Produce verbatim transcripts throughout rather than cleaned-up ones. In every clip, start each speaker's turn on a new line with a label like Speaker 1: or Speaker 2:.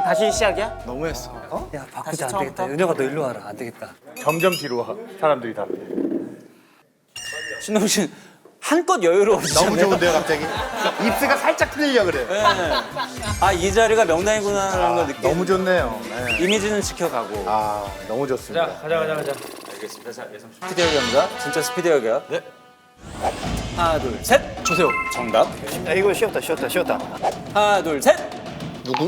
Speaker 1: 다시 시작이야?
Speaker 2: 너무했어.
Speaker 3: 어? 야 바꾸자 안 되겠다. 은혁아 너 일로 와라 안 되겠다.
Speaker 4: 점점 뒤로 와. 사람들이 다.
Speaker 1: 신동 씨 한껏 여유로우시네.
Speaker 4: 너무 좋은데요, 갑자기? 입스가 살짝 틀리려 그래.
Speaker 1: 네. 아이 자리가 명당이구나라는 걸 느끼.
Speaker 4: 너무 좋네요. 네.
Speaker 1: 이미지는 지켜가고.
Speaker 4: 아, 너무 좋습니다.
Speaker 2: 자, 가자, 가자, 가자.
Speaker 1: 알겠습니다. 자, 예상 스피드 여기입니다. 진짜 스피드 여기야. 네. 하나, 둘, 셋.
Speaker 2: 주세요.
Speaker 1: 정답.
Speaker 2: 야, 이거 쉬었다, 쉬었다, 쉬었다.
Speaker 1: 하나, 둘, 셋.
Speaker 4: 누구?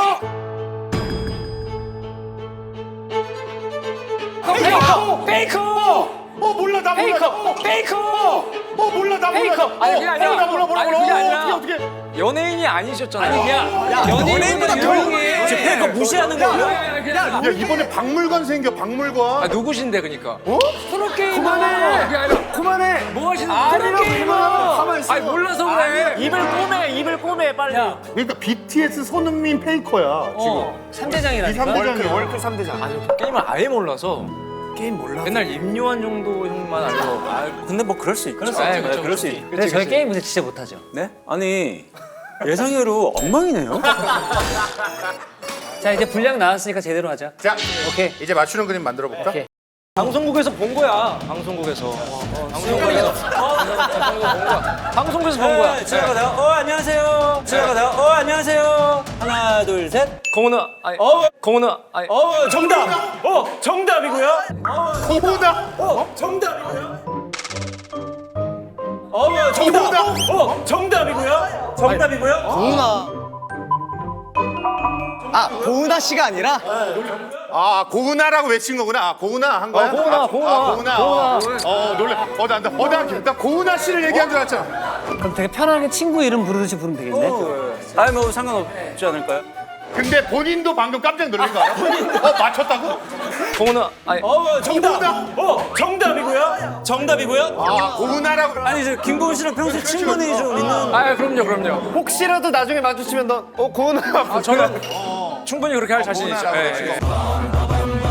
Speaker 2: 페이커! 페이커!
Speaker 4: 어, 몰라, 나 몰라.
Speaker 2: 페이커! 페이커!
Speaker 4: 어, 몰라, 나 몰라.
Speaker 2: 페이커! 아니, 그게 아니라.
Speaker 4: 어, 나 몰라, 몰라,
Speaker 2: 아니,
Speaker 4: 몰라.
Speaker 2: 그게
Speaker 4: 어,
Speaker 2: 아니라.
Speaker 4: 어떻게, 어떻게.
Speaker 2: 연예인이 아니셨잖아요. 아니, 그냥 연예인보다
Speaker 1: 조용해. 지금 페이커 무시하는 거예요?
Speaker 4: 야, 이번에 박물관 생겨, 박물관.
Speaker 2: 아, 누구신데, 그니까?
Speaker 4: 어?
Speaker 2: 프로게이머! 그만해! 그게 아니라,
Speaker 4: 그만해.
Speaker 2: 뭐 하시는
Speaker 4: 아니라고,
Speaker 2: 프로게이머!
Speaker 4: 그만하고 가만히 있어.
Speaker 2: 아니, 몰라서 그래.
Speaker 1: 입을 꼬매, 입을 꼬매, 빨리.
Speaker 4: 그러니까 비티에스 손흥민 페이커야, 지금.
Speaker 3: 삼 대장이라니까.
Speaker 4: 이 삼 대장이야.
Speaker 2: 월클 삼 대장. 아니, 게임을 아예 몰라서.
Speaker 3: 게임 몰라.
Speaker 2: 맨날 임요한 정도 형만 알고.
Speaker 1: 아, 근데 뭐 그럴 수 있죠.
Speaker 2: 그럴 수
Speaker 1: 네,
Speaker 2: 있죠, 그렇죠,
Speaker 1: 그럴 수
Speaker 2: 그렇지.
Speaker 1: 있.
Speaker 3: 근데 저희 게임 근데 진짜 못하죠.
Speaker 1: 네? 아니 예상외로 엉망이네요.
Speaker 3: 자 이제 분량 나왔으니까 제대로 하자.
Speaker 4: 자,
Speaker 3: 오케이.
Speaker 4: 이제 맞추는 그림 만들어 볼까?
Speaker 3: 오케이.
Speaker 2: 방송국에서 본 거야. 방송국에서. 방송국에서. 방송국에서 본 거야. 방송국에서 본 거야.
Speaker 1: 지나가 내가 어 안녕하세요. 지나가 내가 어 안녕하세요. 하나 둘 셋.
Speaker 2: 공은아, 아니,
Speaker 1: 어?
Speaker 2: 공은아, 아니,
Speaker 1: 어 정답. 어 정답이고요.
Speaker 4: 고보다.
Speaker 1: 어 정답이고요. 어 정답. 어 정답이고요. 정답이고요.
Speaker 5: 아, 고은아 씨가 아니라?
Speaker 4: 아, 고은아라고 외친 거구나. 아, 고은아 한 거야?
Speaker 2: 어, 고은아,
Speaker 4: 아,
Speaker 2: 고은아,
Speaker 4: 아, 고은아.
Speaker 2: 고은아.
Speaker 4: 어, 놀래. 어, 나, 나, 어, 나, 나 고은아 씨를 얘기한 줄 알았잖아.
Speaker 3: 그럼 되게 편하게 친구 이름 부르듯이 부르면 되겠네.
Speaker 1: 아니 뭐 상관없지 않을까요?
Speaker 4: 근데 본인도 방금 깜짝 놀란 거 알아? 어, 맞췄다고?
Speaker 2: 공은아, 아니,
Speaker 1: 어 정답. 어 정답이고요. 정답이고요.
Speaker 4: 아, 고은아라고.
Speaker 1: 아니 저 김고은 씨랑 평소에 친분이 좀 있는.
Speaker 2: 아, 그럼요, 그럼요.
Speaker 5: 혹시라도 나중에 마주치면 너, 어, 고은아.
Speaker 2: 아, 저는 충분히 그렇게 할 자신 있죠. 예, 예.